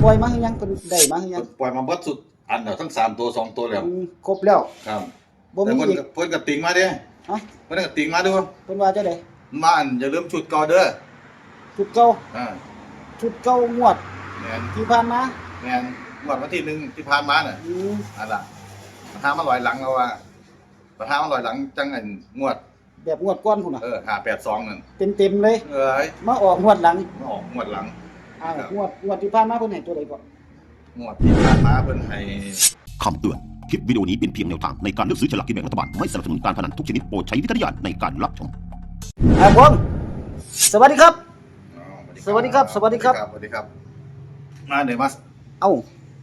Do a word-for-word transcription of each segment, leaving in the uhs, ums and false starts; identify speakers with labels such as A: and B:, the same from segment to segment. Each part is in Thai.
A: ปล่อยมาให้ยังเพิ่นได้มาให้ยัง
B: ปล่อยมาเบิดสุดอันเดียวทั้งสามตัวสองตัวแล้ว
A: ครบแล้ว
B: ครับ
A: บ่มี
B: เพิ่น
A: อีก
B: เพิ่นก็ติงมาเด้
A: ฮะ
B: เพิ่นก็ติงมาดู
A: เพิ่นว่าจังได๋
B: มาอันอย่าลืมชุดเก่าเด้อ
A: ชุดเก่า
B: อ่า
A: ชุดเก่างวด
B: แม่น
A: ที่ผ่านมา
B: แม่นงวดวันที่หนึ่งที่ผ่านมาน่ะ
A: อืม
B: อันล่ะประธานมาลอยหลังแล้วว่าประธานมาลอยหลังจังอันงวด
A: แบบงวดก่อนพุ่นน่ะ
B: เออห้าแปดสองนั่น
A: เต็มๆเลย
B: เอ้ย
A: มาออกงวดหลัง
B: มาออกงวดหลัง
A: อ้าวงวดงวดที่ผ่านมาเพิ่นให้ตัวใดก่อน
B: งวดที่ผ่านมาเพิ่นให้
C: คำเตือนคลิปวิดีโอนี้เป็นเพียงแนวทางในการเลือกซื้อฉลากกินแบ่งรัฐบาลไม่สนับสนุนการพนันทุกชนิดโปรดใช้วิจารณญาณในการรับชม
A: ครับผมสวัสดีครับสวัสดีครับสวัสดีครับ
B: สวัสดีครับมาเดี๋ยวมา
A: เอ้า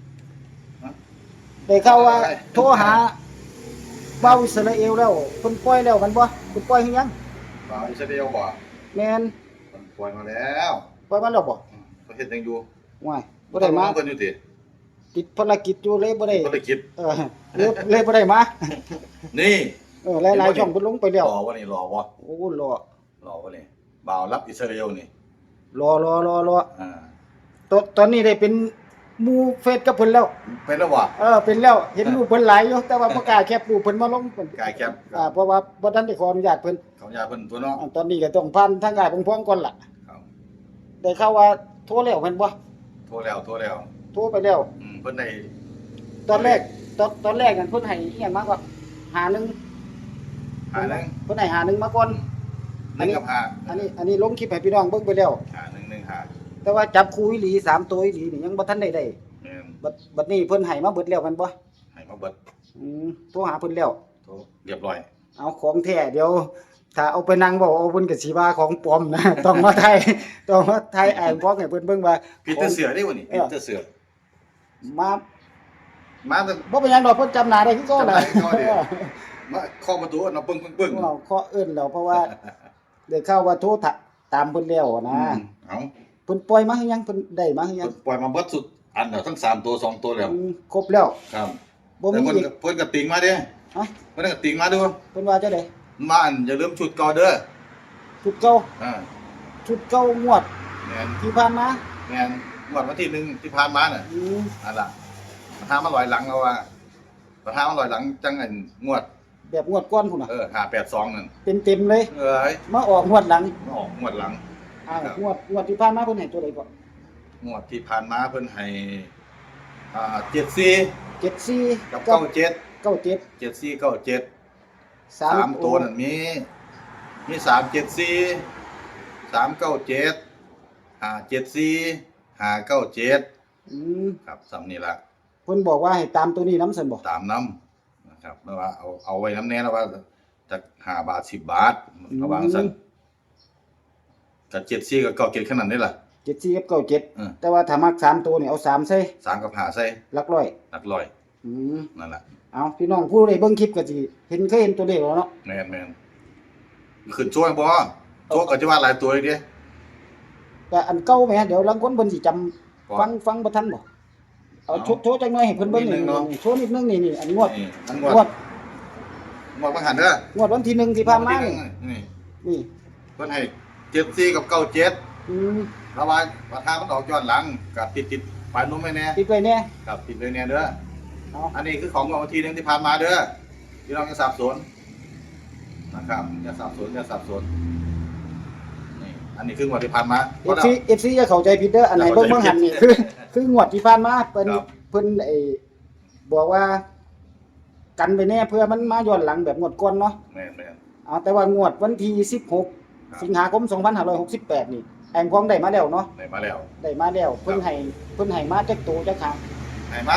A: ได้ข่าวว่าโทรหาเบาอิสราเอลแล้วเพิ่นปล่อยแล้วมันบ่เพิ่นปล่อยให้ยัง
B: บ่าวอิสราเอลบ่
A: แม่น
B: เพิ่นปล่อยมาแล้ว
A: ปล่อยมาแล้วบ่
B: เพิ่นเฮ็ดจังอยู่
A: ว้ายบ่ได้มา
B: เพิ่นอยู่ติ
A: ติดภารกิจอยู่เลยบ่ได้
B: ภารกิจ
A: เออเลยเลยบ่ได้มา
B: นี่
A: เออหลายๆช่องเพิ่นลงไปแล้ว
B: รอบ่นี่รอบ่
A: โอ้รอ
B: รอบ่นี่บ่าวรับอิสราเอลนี่
A: รอรอรอรอ
B: อ่า
A: ตอนตอนนี้ได้เป็นหมู่เฟซกับเพิ่นแล้ว
B: เป็นแล้วบ่
A: เออเป็นแล้วเห็นรูปเพิ่นหลายอยู่แต่ว่าบ่กล้าแคปรูปเพิ่นมาลงเพิ่น
B: กล้าแคป
A: อ่าเพราะว่าบ่ทันได้ขออนุญาตเพิ่น
B: ขออนุญาตเพิ่นตัวเนาะ
A: ตอนนี้ก็ต้องผ่านทางกายพงๆก่อนล่ะ
B: ครับ
A: ได้ข่าวว่าโทรแล้วแม่นบ่
B: โทรแล้วโทรแล้ว
A: โทรไปแล้ว
B: อืมเพิ่นได้
A: ตอนแรกตอนตอนแรกกันเพิ่นให้อีหยังมาก่อนหาหนึ่ง
B: หาหนึ่ง
A: เพิ่นให้หาหนึ่งมาก่อน
B: อันนี้กับห้า
A: อันนี้อันนี้ลงคลิปให้พี่น้องเบิ่งไปแล้ว
B: หาหนึ่ง หนึ่ง ห้า
A: แต่ว่าจับคู่อีหลีสามตัวอีหลีนี่ยังบ่ทันได้ได้
B: แม่น
A: บัดบัดนี้เพิ่นให้มาเบิดแล้วแม่นบ่
B: ให้มาเบิด
A: อืมโทรหาเพิ่นแล้ว
B: โทรเรียบร้อย
A: เอาของแท้เดี๋ยวถ้าเอาไปนั่งเว้าเอาเพิ่นก็สิว่าของปลอมนะต้องมาถ่ายต้องมาถ่ายอ่านพร้อมให้เพิ่นเบิ่งว่า
B: ผิดแต่เสือได้บ่นี่ผิดแต่เสือ
A: มา
B: มาแต่
A: บ่เป็นหยังดอกเพิ่นจำหน้าได้คือเก่าน่ะ
B: มาเคาะประตูเนาะปึ้งๆๆ
A: เราเคาะเอิ้นแล้วเพราะว่าได้ข่าวว่าโทรตามเพิ่นแล้วนะ
B: เอ้า
A: เพิ่นปล่อยมาให้ยังเพิ่นได้มาให้ยัง
B: ปล่อยมาเบิดสุดอันเดียวทั้งสามตัวสองตัวแล้ว
A: ครบแล้ว
B: ครับ
A: บ่มีอีก
B: เพิ่นก็ติงมาเด้
A: ฮะ
B: เพิ่นก็ติงมาดู
A: เพิ่นว่าจังได๋
B: มาอันอย่าลืมชุดเก่าเด้อ
A: ชุดเก่า
B: อ่า
A: ชุดเก่างวด
B: แม่น
A: ที่ผ่านมา
B: แม่นงวดวันที่หนึ่งที่ผ่านมาน่ะ
A: อืม
B: อันล่ะประธานมาลอยหลังแล้วว่าประธานมาลอยหลังจังอันงวด
A: แบบงวดก่อนพุ่นน่ะ
B: เออห้าแปดสองนั่น
A: เต็มๆเลย
B: เอ้ย
A: มาออกงวดหลัง
B: มาออกงวดหลัง
A: อ้าวงวดงวดที่ผ่านมาเพิ่นให้ตัวใดก่อน
B: งวดที่ผ่านมาเพิ่นให้อ่าเจ็ดสี่
A: เจ็ดสี่
B: กับเก้าเจ็ด
A: เก้าเจ็ด
B: เจ็ดสี่เก้าเจ็ด
A: สาม
B: ตัวนั่นมีมีสามเจ็ดสี่สามเก้าเจ็ดห้าเจ็ดสี่ห้าเก้าเจ็ด
A: อืม
B: ครับซ้ำนี่ล่ะ
A: เพิ่นบอกว่าให้ตามตัวนี้นำซั่นบ่
B: ตามนำนะครับแล้วว่าเอาเอาไว้นำแน่แล้วว่าจักห้าบาทสิบบาทระวังซั่นก็เจ็ดสี่กับเก้าเจ็ดขนาดนี้ล่ะ
A: เจ็ดสี่กับเก้าเจ็ดแต่ว่าถ้ามักสามตัวนี่เอาสามใส่
B: สามกับห้าใส่
A: หลักร้อย
B: หลักร้อย
A: อืม
B: นั่นล่ะ
A: เอาพี่น้องผู้ใดเบิ่งคลิปก็สิเห็นเคยเห็นตัวเลขแล้วเนาะ
B: แม่นๆขึ้นช่วยบ่โตก็จะว่าหลายตัวอีกเด้
A: แต่อันเก่าแหมเดี๋ยวลางคนเพิ่นสิจำฟังฟังบ่ทันบ่เอาโชว์จังหน่อยให้เพิ่นเบิ่งนี่โชว์นิดนึงนี่นี่อันงวด
B: งวดงวดบ่หันเด้อง
A: วดวันที่หนึ่งที่ผ่านมานี่
B: นี่
A: นี่
B: เพิ่นให้เจ็ดสี่กับเก้าเจ็ด
A: อืม
B: ระว่าประธานมันออกย้อนหลังก็ติดๆปลายนมไว้แน่
A: ติดไว้แน่
B: ครับติดไว้แน่เด้ออันนี้คือของวันที่หนึ่งที่ผ่านมาเด้อพี่น้องอย่าสับสนนะครับอย่าสับสนอย่าสับสนนี่อันนี้คืองวดที่ผ่านมา
A: เอฟ ซี เอฟ ซี อย่าเข้าใจผิดเด้ออันไหนเบิ่งเบิ่งหันนี่คือคืองวดที่ผ่านมาเพิ่นเพิ่นไอ้บอกว่ากันไปแน่เพื่อมันมาย้อนหลังแบบงวดก่อนเนาะ
B: แม่น
A: ๆเอาแต่ว่างวดวันที่สิบหกสิงหาคมสองพันห้าร้อยหกสิบแปดนี่แองพองได้มาแล้วเนาะ
B: ได้มาแล้ว
A: ได้มาแล้วเพิ่นให้เพิ่นให้มาจักตัวจักครั้ง
B: ให้มา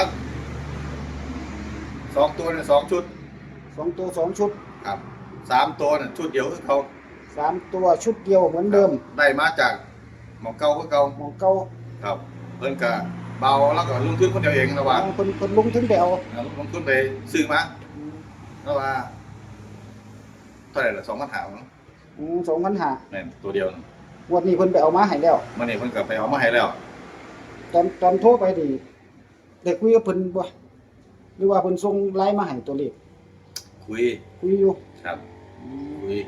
B: สองตัวเนี่ยสองชุด
A: สองตัวสองชุด
B: ครับสามตัวเนี่ยชุดเดียวคือเขา
A: สามตัวชุดเดียวเหมือนเดิม
B: ได้มาจากหมองเก่าคือเก่า
A: หมองเก่า
B: ครับเพิ่นก็เบาแล้วก็ลงทุนคนเดียวเองระหว่าง
A: เพิ่นเพิ่นลงทุนไปเอา
B: ลงทุนไปซื้อมาแล้วว่าเท่าไหร่ล่ะสองพันห้ามั้ง
A: อืมสองพันห้า
B: แม่นตัวเดียว
A: วันนี้เพิ่นไปเอามาให้แล้ว
B: มื้อนี้เพิ่นก็ไปเอามาให้แล้ว
A: ตอนตอนโทรไปนี่ได้คุยกับเพิ่นบ่หรือว่าเพิ่นส่งไลน์มาให้ตัวเลข
B: คุย
A: คุยอยู่
B: ครับคุย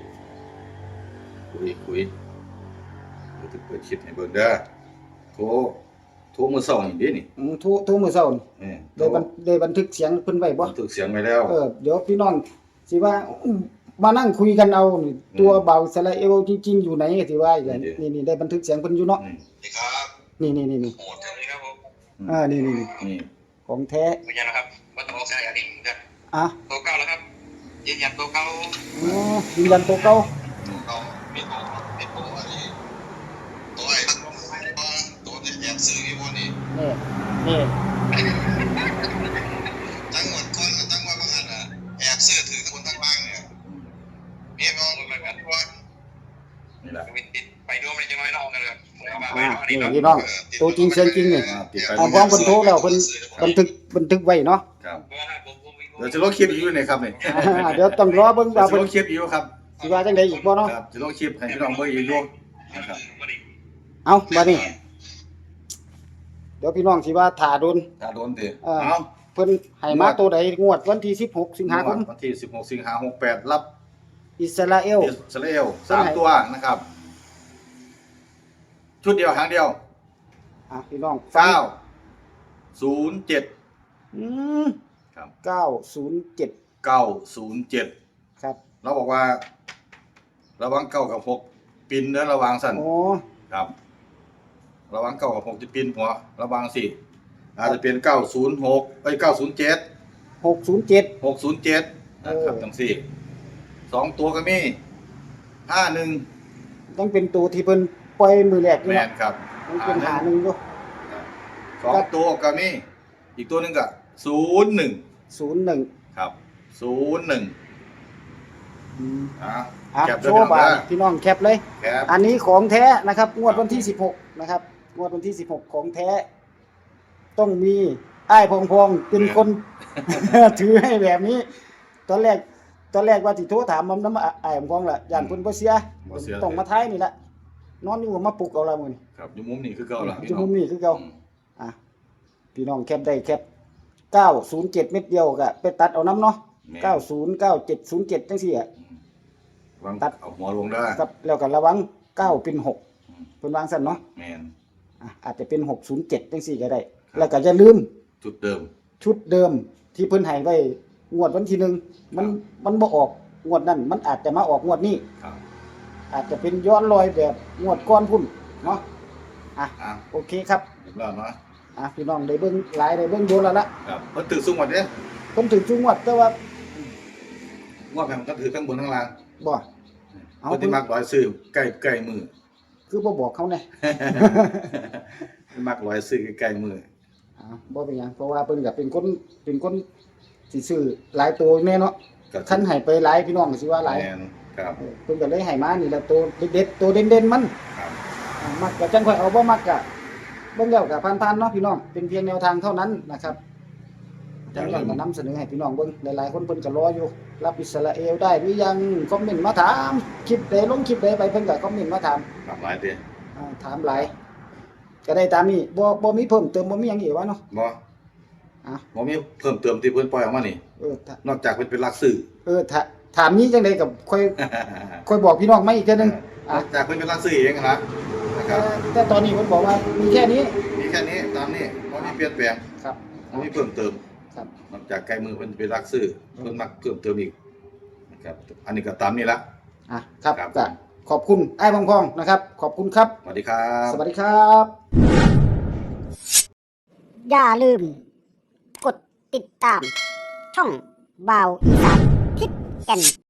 B: คุยคุยเดี๋ยวจะเปิดคลิปให้เบิ่งเด้อโทรโททุกมือเศร้านี่ดินี่
A: อืมทุทุมื้อเช้านี่
B: เออ
A: ได้บันได้บันทึกเสียงเพิ่นไว้บ่
B: บันทึกเสียงไว้แล้ว
A: เออเดี๋ยวพี่น้องสิว่าอื้อมานั่งคุยกันเอานี่ตัวเบาอิสราเอลจริงๆอยู่ไหนสิว่าอีกแล้วนี่นี่ได้บันทึกเสียงเพิ่นอยู่เนาะ
B: นี่
D: นี่ครับ
A: นี่นี่นี่นี่
D: โหดจังเลยครับผม
A: อ่านี่นี่นี่
B: นี่
A: ของแท้
D: ยืนยันนะครับว่าต้องใช้อันนี้จะ
A: อ่ะ
D: ตัวเก่าแล้วครับยืนยันตัวเก่า
A: อ๋อยืนยันตัวเก่า
D: เรามีตัวมีตัวอันนี้ตัวไอ้ตัวตัวที่แอบซื้อที่พวกนี้
A: นี่นี่
D: ทั้งหมดคนทั้งวันบางอันอ่ะแอบซื้อถือคนทั้งล่างเนี่ยมีมองเหมือนกันว่า
B: นี่แหละ
D: วินติดไปดูมันจะน้อยนอกกันเลย
A: อ่านี่พี่น้องตัวจริงเสียงจริงนี่
B: อ่าติดไป
A: อ่าพร้อมเพิ่นโทรแล้วเพิ่นบันทึกบันทึกไว้เนาะ
B: ครับเดี๋ยวจะลงคลิปอีกอยู่นี่ครับนี่
A: อ่าเดี๋ยวต้องรอเบิ่ง
B: เดี๋ย
A: ว่าว
B: จะ
A: เพิ่
B: ล
A: น
B: งคลิปอีกอยู่ครับ
A: สิว่าจังได๋อีกบ่เนาะ
B: ครับจะลงคลิปให้พี่น้องเบิ่งอีกอยู่นะครับ
A: เอาบัดนี้เดี๋ยวพี่น้องสิว่าถ่าโดน
B: ถ้าโดนติ
A: เออ
B: เอา
A: เพิ่นให้มาตัวใดงวดวันที่สิบหกสิงหาคม
B: วันที่สิบหกสิงหาคมหกแปดรับ
A: อิสราเอล
B: อิสราเอลสามตัวนะครับ ชุดเดียวครั้งเดียว
A: อ่ะพี่น้อง
B: เก้าศูนย์เจ็ด
A: อืม
B: ครับ
A: เก้าศูนย์เจ็ด
B: เก้าศูนย์เจ็ด
A: ครับ
B: เราบอกว่า ระวังเก้ากับหกปินเนื้อระวังสั่น
A: โอ้
B: ครับ ระวังเก้ากับหกจะปินหัวระวังสิอาจจะเป็นเก้าศูนย์หกเอ้ยเก้าศูนย์เจ็ด
A: หกศูนย์เจ็ด
B: หกศูนย์เจ็ดนะครับ
A: เออ
B: ทั้งสี่สองตัวก็มีห้าหนึ่ง
A: ยังเป็นตัวที่เพิ่นปล่อยมือแรกอยู่
B: แม
A: เนาะ
B: นครับ
A: ยังเป็นหาหนึ่งอยู่
B: สองตัวก็มีอีกตัวหนึ่งก็ศูนย์หนึ่ง
A: ศูนย์หนึ่ง
B: ครับศูนย์หนึ่ง
A: อืม
B: อ่ะ
A: อ่ะ
B: แคป
A: โช
B: ด้วย
A: ว์บา
B: นะ
A: ทพี่น้องแคปเลย
B: แคป
A: อันนี้ของแท้นะครับงวดวันที่สิบหกนะครับงวดวันที่สิบหกของแท้ ต้องมีอ้ายพองพองเป็นคน ถือให้แบบนี้ ตอนแรก ตอนแรกว่าสิโทรถามมันน้ำอ้ายพองพองล่ะย่านเพิ่นบ่เสีย
B: บ่เสีย
A: ต้องมาท้ายนี่แหละนอนอยู่มาปลุกเอาละมื้อนี้
B: ครับอยู่มุมนี้คือเก่าล่ะ
A: อยู่มุมนี้คือเก่า
B: อืม
A: อ่ะพี่น้องแคปได้แคปเก้าศูนย์เจ็ดเม็ดเดียวก็ไปตัดเอาน้ำเนาะ
B: แม่น
A: เก้าศูนย์ เก้าเจ็ด ศูนย์เจ็ดจังซี่อ่ะ
B: วาง
A: ตัด
B: เอาหัวลงได้
A: ครับแล้วก็ระวังเก้าเป็นหกเพิ่นวางซั่นเนาะ
B: แมน
A: อ่ะอาจจะเป็นหกศูนย์เจ็ดจังซี่ก็ได้ แล้วก็อย่าลืม
B: จุดเดิม
A: ชุดเดิมที่เพิ่นให้ไว้งวดวันที่หนึ่งมันมันบ่ออกงวดนั้นมันอาจจะมาออกงวดนี้
B: ครับ
A: อาจจะเป็นย้อนรอยแบบงวดก่อนพุ่นเนาะอ่ะ
B: อ่ะ
A: โอเคครับ
B: เรียบร้อยเนาะ
A: อ่ะพี่น้องได้เบิ่งหลายได้เบิ่งโดนแล้วละ
B: ครับเพิ่นถือสูงหมดเด้
A: เพิ่นถึงจุงวดแต่ว่า
B: ว่าแผ่นก็ถือทั้งบนทั้งล่าง
A: บ่ เอา
B: เพิ่นที่มักร้อยซื้อใกล้ใกล้มือ
A: คือบ่บอกเขาแน่
B: เพิ่นมักร้อยซื้อใกล้มือ
A: อ่าบ่เป็นหยังเพราะว่าเพิ่นก็เป็นคนเป็นคนสิซื้อหลายตัวแน่เนาะ
B: ก็
A: คันให้ไปหลายพี่น้องก็สิว่าหลาย
B: แมนครับ
A: เออเพิ่นก็เลยให้มานี่แหละตัวเด็ดๆตัวเด่นๆมัน
B: ครับ
A: อ่ามักก็จังค่อยเอาบ่มักก็เบิ่งแล้วก็ผ่านๆเนาะพี่น้องเป็นเพียงแนวทางเท่านั้นนะครับจังนั้นก็นำเสนอให้พี่น้องเบิ่งหลายๆคนเพิ่นก็รออยู่รับอิสราเอลได้หรือยังคอมเมนต์มาถามคลิปใดลงคลิปใดไปเพิ่นก็คอมเมนต์มาถาม
B: ครับหลายเด้
A: อ่าถามหลายก็ได้ตามนี้บ่บ่มีเพิ่มเติมบ่มีหยังอีกวะเนาะ
B: บ่
A: อ่ะ
B: บ่มีเพิ่มเติมที่เพิ่นปล่อยออกมานี่
A: เออถ้าน
B: อกจากเพิ่นเป็นหลักสื่อ
A: เออถ้าถามนี้จังได๋ก็ค่อยค่อยบอกพี่น้องมาอีกเทื่อนึง
B: น
A: อ่ะ
B: อกจากเพิ่นเป็นหลักสื่อเองนะนะค
A: แต่
B: รับ
A: แต่ตอนนี้เพิ่นบอกว่ามีแค่นี้
B: มีแค่นี้ตามนี้บ่มีเปลี่ยนแปลง
A: ครับ
B: บ่มีเพิ่มเติม
A: ครับ
B: นอกจากใกล้มือเพิ่นเป็นหลักสื่อเพิ่นมักเพิ่มเติมอีกนะครับอันนี้ก็ตามนี้ละ
A: อ่ะครับ
B: ครับ
A: ก็ขอบคุณไอ้ายพองๆนะครับ ขอบคุณครับ
B: สวัสดีครับ
A: สวัสดีครับ
E: อย่าลืม กดติดตาม ช่องบ่าวอีสานทิศแก่น